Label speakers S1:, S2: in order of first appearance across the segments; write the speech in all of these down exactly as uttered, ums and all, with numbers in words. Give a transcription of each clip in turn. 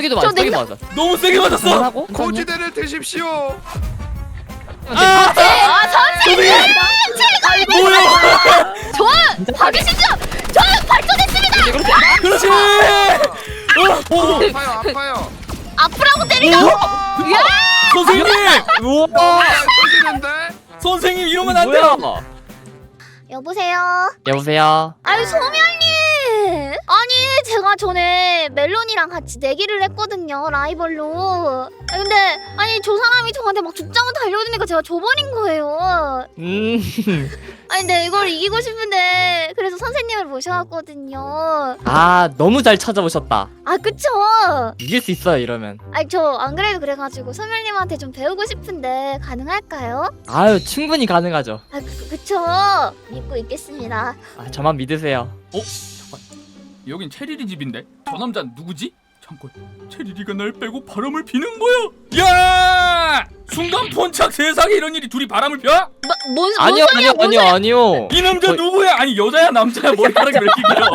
S1: 저기도 맞아. 저기 맞아.
S2: 너무 세게 맞았어.
S1: 하고?
S3: 고지대를 드십시오.
S4: 아, 선생님! 제가
S2: 뭐야?
S4: 저 받으시죠? 저 발전했습니다!
S2: 그렇지. 어, 어,
S3: 아파요, 아파요.
S4: 아프라고 때리라고! 야!
S2: 선생님.
S1: 우와.
S3: 터지는데?
S2: 선생님 이러면 안 돼요.
S1: 뭐야?
S4: 여보세요?
S1: 여보세요.
S4: 아유, 소멸님! 아니, 제가 전에 멜론이랑 같이 내기를 했거든요, 라이벌로. 근데, 아니, 저 사람이 저한테 막 죽장을 달려드니까 제가 져버린 거예요.
S1: 음.
S4: 아니, 근데 이걸 이기고 싶은데, 그래서 선생님을 모셔왔거든요.
S1: 아 너무 잘 찾아오셨다.
S4: 아, 그쵸?
S1: 이길 수 있어요 이러면.
S4: 아니, 저 안 그래도 그래가지고 소멸님한테 좀 배우고 싶은데, 가능할까요?
S1: 아유 충분히 가능하죠.
S4: 아, 그, 그쵸? 믿고 있겠습니다.
S1: 아 저만 믿으세요.
S2: 어? 잠깐. 여긴 체리리 집인데 저 남자 누구지? 잠깐. 체리리가 날 빼고 바람을 피는 거야. 야! 순간 본착 세상에 이런 일이 둘이 바람을 펴?
S4: 뭐, 뭔, 뭔
S1: 아니요
S4: 소리야,
S1: 아니요
S4: 뭔
S1: 아니요
S4: 소리야?
S1: 아니요.
S2: 이 남자
S1: 저-
S2: 누구야? 아니 여자야 남자야 머리카락이 왜 이렇게 길어?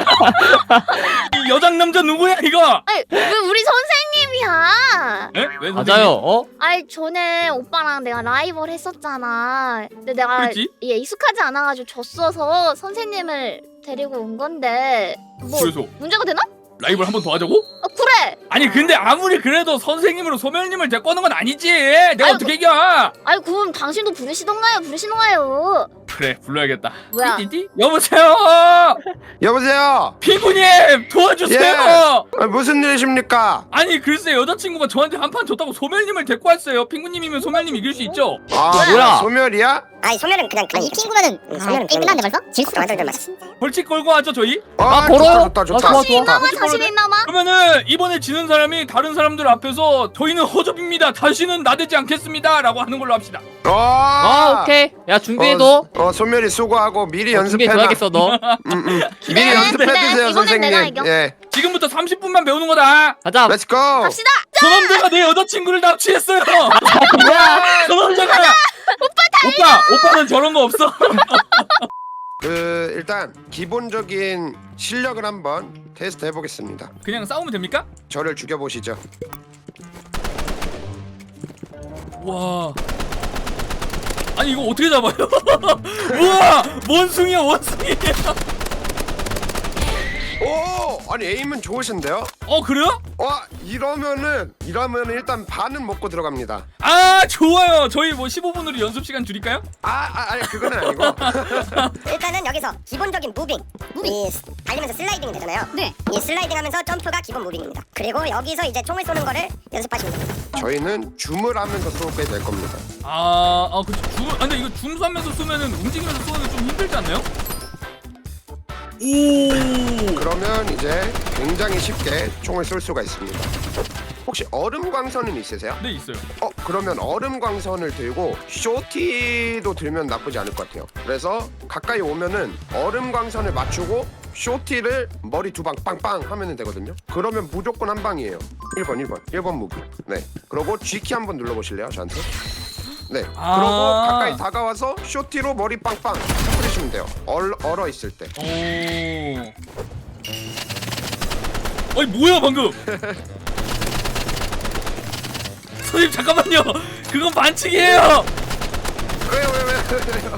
S2: 이 여장 남자 누구야 이거?
S4: 아니, 왜 우리 선생님이야?
S2: 에? 왜
S1: 맞아요. 어?
S4: 아니, 전에 오빠랑 내가 라이벌 했었잖아. 근데 내가
S2: 그랬지?
S4: 얘 익숙하지 않아가지고 졌어서 선생님을 데리고 온 건데 뭐
S2: 그래서
S4: 문제가 되나?
S2: 라이벌 한 번 더 하자고?
S4: 아, 그래.
S2: 아니 근데 아무리 그래도 선생님으로 소멸님을 데리고 오는 건 아니지. 내가
S4: 아이고.
S2: 어떻게 이겨?
S4: 아니, 그럼 당신도 부르시던가요? 부르시던가요?
S2: 그래 불러야겠다.
S4: 뭐야?
S2: 띠띠띠? 여보세요.
S3: 여보세요.
S2: 피구님 도와주세요.
S3: 예. 아, 무슨 일이십니까?
S2: 아니 글쎄 여자친구가 저한테 한 판 줬다고 소멸님을 데리고 왔어요. 핑구님이면 소멸님 이길 수 있죠?
S3: 아,
S1: 뭐야?
S3: 소멸이야?
S5: 아니 소멸은 그냥
S4: 아니, 이 친구면은
S5: 소멸은
S4: 게임 끝났는데 벌써? 질 수가
S5: 완전 좀
S4: 없어.
S5: 맞아.
S2: 벌칙 걸고 하죠 저희?
S3: 아,
S1: 걸어요?
S3: 좋다, 좋다,
S1: 아,
S3: 좋다.
S1: 좋아,
S4: 자신
S1: 좋아.
S4: 있나마? 자신 있나마?
S2: 그러면은 이번에 지는 사람이 다른 사람들 앞에서 저희는 허접입니다. 다시는 나대지 않겠습니다. 라고 하는 걸로 합시다.
S3: 아,
S1: 아 오케이. 야 준비해도.
S3: 어, 어, 소멸이 수고하고 미리
S1: 어, 준비해
S3: 연습해놔.
S1: 줘야겠어 너.
S3: 음, 음.
S4: 기대,
S3: 미리 연습해두세요,
S4: 기대. 이번엔
S3: 선생님.
S4: 내가 이겨.
S3: 예,
S2: 지금부터 삼십 분만 배우는 거다.
S1: 가자.
S3: 렛츠 고.
S4: 갑시다.
S2: 저 남자가 내 여자친구를 납치했어요.
S1: 뭐야?
S2: 저 남자가 오빠 오빠는 저런 거 없어.
S3: 그 일단 기본적인 실력을 한번 테스트 해보겠습니다.
S2: 그냥 싸우면 됩니까?
S3: 저를 죽여보시죠.
S2: 와. 아니 이거 어떻게 잡아요? 우와 원숭이야 원숭이.
S3: 오, 아니 에임은 좋으신데요?
S2: 어 그래요?
S3: 와, 이러면은 이러면 일단 반은 먹고 들어갑니다.
S2: 아 좋아요. 저희 뭐 십오 분으로 연습 시간 줄일까요?
S3: 아, 아 아니 그거는 아니고.
S5: 일단은 여기서 기본적인 무빙 무빙 이 스- 달리면서 슬라이딩이 되잖아요.
S4: 네.
S5: 이 슬라이딩하면서 점프가 기본 무빙입니다. 그리고 여기서 이제 총을 쏘는 거를 연습하시면 됩니다.
S3: 저희는 줌을 하면서 쏘게 될 겁니다.
S2: 아, 아, 그 줌, 아, 근데 이거 줌 쏘면서 쏘면은 움직이면서 쏘는 게 좀 힘들지 않나요? 오,
S3: 그러면 이제 굉장히 쉽게 총을 쏠 수가 있습니다. 혹시 얼음 광선은 있으세요?
S2: 네 있어요.
S3: 어, 그러면 얼음 광선을 들고 쇼티도 들면 나쁘지 않을 것 같아요. 그래서 가까이 오면은 얼음 광선을 맞추고 쇼티를 머리 두 방 빵빵 하면 되거든요. 그러면 무조건 한 방이에요. 일 번 일 번 일 번 무기. 네. 그리고 G키 한번 눌러보실래요, 저한테? 네.
S2: 아.
S3: 그러고 가까이 다가와서 쇼티로 머리 빵빵 터뜨리시면 돼요. 얼, 얼어 있을 때.
S2: 오. 아니 뭐야 방금? 선생님 잠깐만요. 그건 반칙이에요.
S3: 왜요, 왜요, 왜요?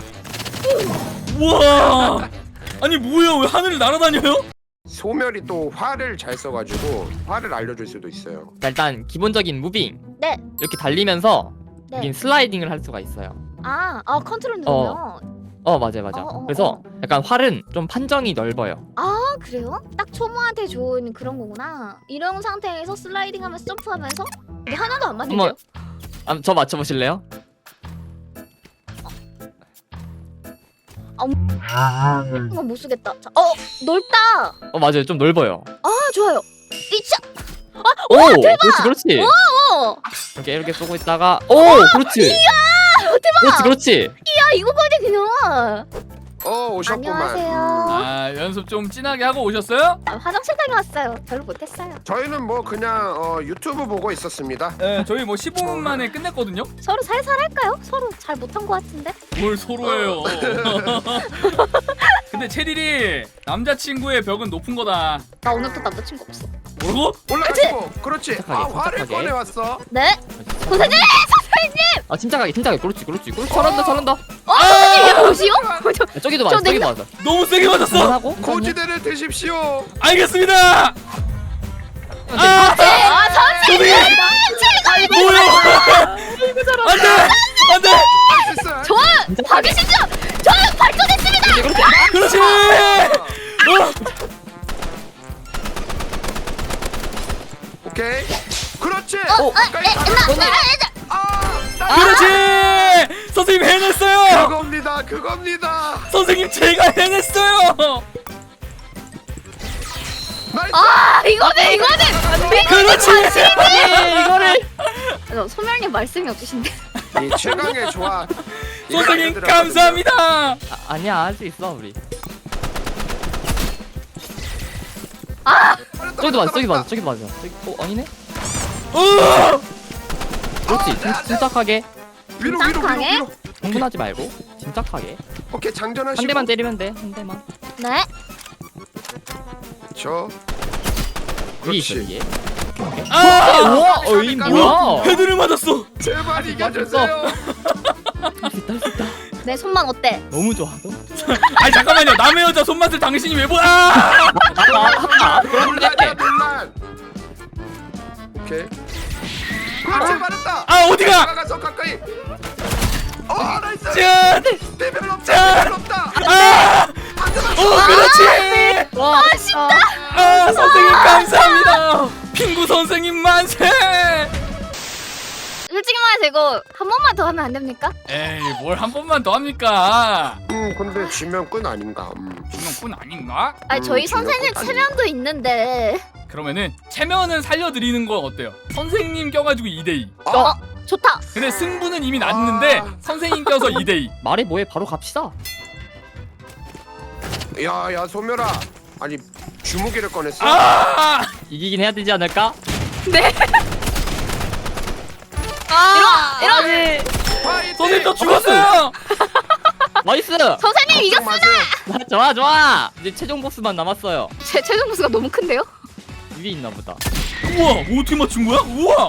S2: 우와. 아니 뭐야 왜 하늘을 날아다녀요?
S3: 소멸이 또 화를 잘 써가지고 화를 알려줄 수도 있어요.
S1: 자, 일단 기본적인 무빙.
S4: 네.
S1: 이렇게 달리면서
S4: 네.
S1: 우린 슬라이딩을 할 수가 있어요.
S4: 아, 아 컨트롤 누르면.
S1: 어 맞아요 맞아.
S4: 어, 어, 어.
S1: 그래서 약간 활은 좀 판정이 넓어요.
S4: 아, 그래요? 딱 초보한테 좋은 그런 거구나. 이런 상태에서 슬라이딩하면서 점프하면서 이게 하나도 안 맞는데요?
S1: 한번 아, 저 맞춰보실래요?
S4: 이건 못 쓰겠다. 자, 어, 넓다.
S1: 어 맞아요 좀 넓어요.
S4: 아, 좋아요. 이차.
S1: 오 그렇지 그렇지.
S4: 어.
S1: 이렇게 이렇게 쏘고 있다가 오 그렇지.
S4: 대박.
S1: 그렇지 그렇지.
S4: 야, 이거 거지 그냥.
S3: 어 오셨구만.
S4: 안녕하세요.
S2: 아 연습 좀 진하게 하고 오셨어요?
S4: 아, 화장실 다녀왔어요. 별로 못했어요.
S3: 저희는 뭐 그냥 어, 유튜브 보고 있었습니다.
S2: 네 저희 뭐 십오 분 만에 끝냈거든요.
S4: 서로 살살 할까요? 서로 잘 못한 것 같은데.
S2: 뭘 서로예요. 근데 체리리 남자친구의 벽은 높은 거다.
S4: 나 오늘부터 남자친구 없어.
S2: 뭐라고?
S3: 올라가고 그렇지. 아
S1: 침착하게,
S3: 화를
S1: 침착하게.
S3: 꺼내 왔어.
S4: 네? 선생님! 선생님!
S1: 아 침착하게 침착하게 그렇지 그렇지 그렇지 잘한다 잘한다.
S4: 어, 선생님 이게 뭐시오?
S1: 야, 저기도
S4: 저
S1: 맞아 저기
S4: 냉면-
S1: 맞아.
S2: 너무 세게 맞았어.
S1: 하고
S3: 고지대를 드십시오.
S2: 알겠습니다. 아,
S4: 아, 선생님! 제가
S2: 뭐야? 안돼 안돼.
S3: 할 수 있어.
S4: 좋아! 박이시죠? 저는 발전했습니다!
S2: 그렇지. 어.
S3: 오케이. 그렇지.
S4: 어,
S3: 가까이
S4: 에,
S3: 가면-
S4: 나, 나,
S3: 아, 나-
S2: 그렇지. 선생님 해냈어요.
S3: 그겁니다. 그겁니다.
S2: 선생님 제가 해냈어요.
S3: 나이스.
S4: 아, 이거는, 이거는!
S2: 그렇지.
S1: 이거를
S4: 어, 소멸님 말씀이 없으신데.
S3: 이 최강의 조합.
S2: 선생님
S3: 이거
S2: 감사합니다.
S1: 아, 아니야 할 수 있어 우리.
S3: 알았다,
S1: 저기도 맞아
S3: 알았다,
S1: 저기 맞아
S3: 알았다.
S1: 저기 맞아 저기 어 아니네.
S2: 어.
S1: 그렇지
S3: 아, 네, 네.
S1: 침- 침착하게
S3: 위로 위로 위로
S4: 짱강해?
S3: 위로.
S1: 흥분하지 말고 침착하게
S3: 오케이 장전하시고.
S1: 한 대만 때리면 돼한 대만.
S4: 네?
S3: 저.
S1: 위에 있어
S3: 그렇지.
S1: 위에.
S2: 아.
S1: 우와 어이 뭐야?
S2: 헤드를 맞았어.
S3: 제발 이겨주세요.
S1: 할수 있다 할 수 있다.
S4: 내 손만 어때?
S1: 너무 좋아.
S2: 아니 잠깐만요. 남의 여자 손맛을 당신이 왜 보? 아.
S3: 논란이야 논란. 오케이. 그렇지 말했다.
S2: 아 어디가?
S3: 다가가서 가까이. 어 나이스.
S2: 짠.
S3: 대별 없다.
S2: 짠!
S3: 대별 없다.
S2: 아. 어 그렇지.
S1: 와 아쉽다.
S2: 아 선생님 감사합니다. 핑구 선생님 만세.
S4: 솔직히 말해서 이거 한 번만 더 하면 안 됩니까?
S2: 에이 뭘 한 번만 더 합니까?
S3: 음 근데 지면 끝 아닌가. 음.
S2: 중형뿐 아닌가?
S4: 아니
S3: 음,
S4: 저희
S3: 중요한
S4: 선생님
S3: 건 아니에요.
S4: 체면도 있는데.
S2: 그러면은 체면은 살려드리는 건 어때요? 선생님 껴가지고 이 대 이.
S3: 어?
S4: 좋다.
S2: 근데 승부는 이미 났는데
S3: 아.
S2: 선생님 껴서 이 대 이.
S1: 말해 뭐해 바로 갑시다.
S3: 야야 소멸아. 아니 주무기를 꺼냈어.
S2: 아!
S1: 이기긴 해야 되지 않을까?
S4: 아, 이런 이런
S3: 파이팅!
S2: 선생님 저 죽었어요.
S1: 나이스.
S4: 선생님 이겼어.
S3: 맞아요.
S1: 좋아 좋아. 이제 최종 보스만 남았어요.
S4: 제 최종 보수가 너무 큰데요?
S1: 위에 있나 보다.
S2: 우와 어떻게 맞춘 거야? 우와.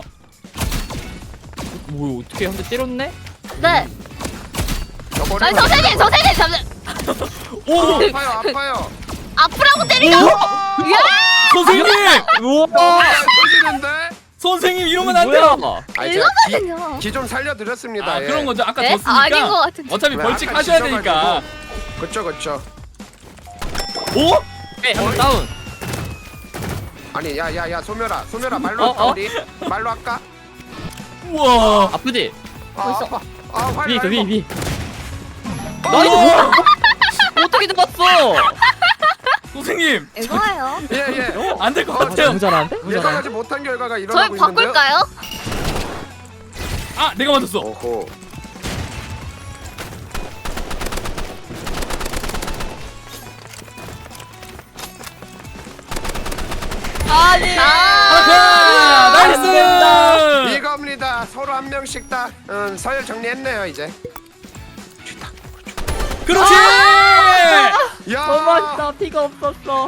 S1: 뭐야 어떻게 한 대 때렸네?
S4: 네.
S3: 저거를
S4: 아니 선생님 선생님 잠시
S2: 오
S3: 아파요 아파요.
S4: 아프라고 때리가.
S2: 선생님
S1: 우와.
S3: 터지는데?
S2: 선생님 이러면 안 돼요.
S1: 뭐야?
S3: 아 제가
S4: 이거거든요.
S3: 기 좀 살려드렸습니다.
S2: 아
S3: 예.
S2: 그런 거죠. 아까
S4: 네?
S2: 졌으니까
S4: 아닌 것 같은데.
S2: 어차피
S3: 왜
S2: 벌칙
S3: 아까
S2: 하셔야
S3: 지져가지고.
S2: 되니까.
S3: 그쵸 그쵸.
S2: 오?
S1: 네, 한명 다운.
S3: 아니 야야야 소멸아 소멸아 말로
S1: 어,
S3: 할까
S1: 어?
S3: 우리? 말로 할까?
S2: 우와.
S1: 아프지?
S3: 아
S4: 벌써.
S3: 아파. 아 활.
S1: 위에 있어 위에 위에.
S3: 어,
S1: 나이스. 뭐야? 어떻게 잡았어?
S2: 선생님
S4: 이거예요.
S3: 예예.
S2: 안 될 것
S3: 어,
S2: 같아요.
S1: 너무 잘하는데? 너무 잘하는데?
S3: 예상하지 못한 결과가
S4: 저희
S3: 일어나고 있는데요.
S4: 바꿀까요?
S2: 아 내가 맞았어.
S3: 오호.
S4: 아니.
S2: 아하! 나이스!
S3: 이겁니다. 서로 한 명씩 다 음, 서열 정리했네요 이제. 좋다.
S2: 그렇지!
S3: 야.
S1: 너무 맛있다. 피가 없었어.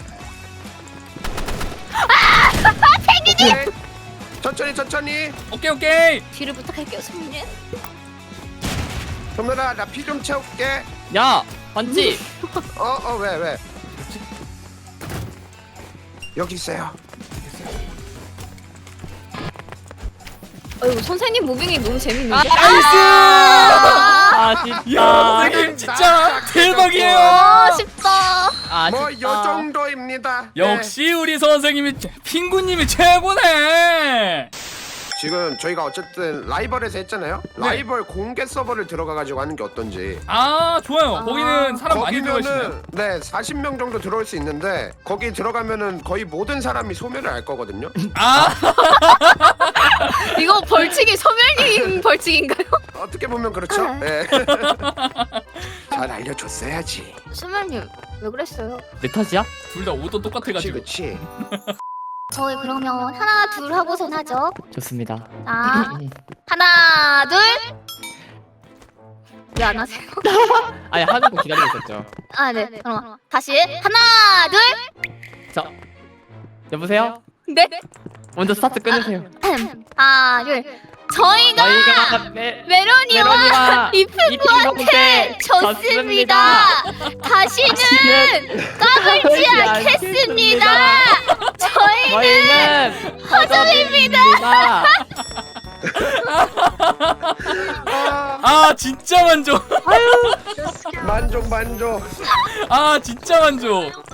S3: 오케이. 천천히 천천히.
S2: 오케이 오케이.
S4: 뒤를 부탁할게요 선생님.
S3: 소멸아 나 피 좀 채울게.
S1: 야 반지.
S3: 어 어 왜 왜? 여기 있어요.
S4: 어이구 선생님 무빙이 너무 재밌는데.
S2: 나이스!
S1: 아쉽다.
S2: 야 선생님 진짜 대박이에요.
S4: 아 쉽다.
S1: 아쉽다.
S3: 뭐 요 정도입니다. 네.
S2: 역시 우리 선생님이 핑구님이 최고네.
S3: 지금 저희가 어쨌든 라이벌에서 했잖아요.
S2: 네.
S3: 라이벌 공개 서버를 들어가 가지고 하는 게 어떤지.
S2: 아 좋아요.
S4: 아.
S2: 거기는 사람 많이 들어가시나요?
S3: 거기면은 네 사십 명 정도 들어올 수 있는데 거기 들어가면은 거의 모든 사람이 소멸을 알 거거든요.
S2: 아
S4: 이거 벌칙이 소멸님 벌칙인가요?
S3: 어떻게 보면 그렇죠. 네. 자 잘 알려줬어야지.
S4: 수면님 왜 그랬어요?
S1: 내 탓이야?
S2: 둘 다 오도
S3: 그치
S2: 똑같아가지고.
S3: 그치.
S4: 저희 그러면 하나 둘 하고선 하죠.
S1: 좋습니다.
S4: 자 하나 둘. 왜 안 하세요?
S1: 아니 하는 거 기다리고 있었죠.
S4: 아 네. 그럼 다시 하나 둘.
S1: 자 여보세요?
S4: 네.
S1: 먼저 스타트 끊으세요.
S4: 하나 둘. 저희가
S1: 저희가 메,
S4: 메로니와
S1: 메로니와
S4: 이프한테 졌습니다. 다시는 까불지 않겠습니다. 저희는
S1: 저희는 허접입니다.
S2: 아 진짜 만족.
S3: 만족 만족.
S2: 아 진짜 만족.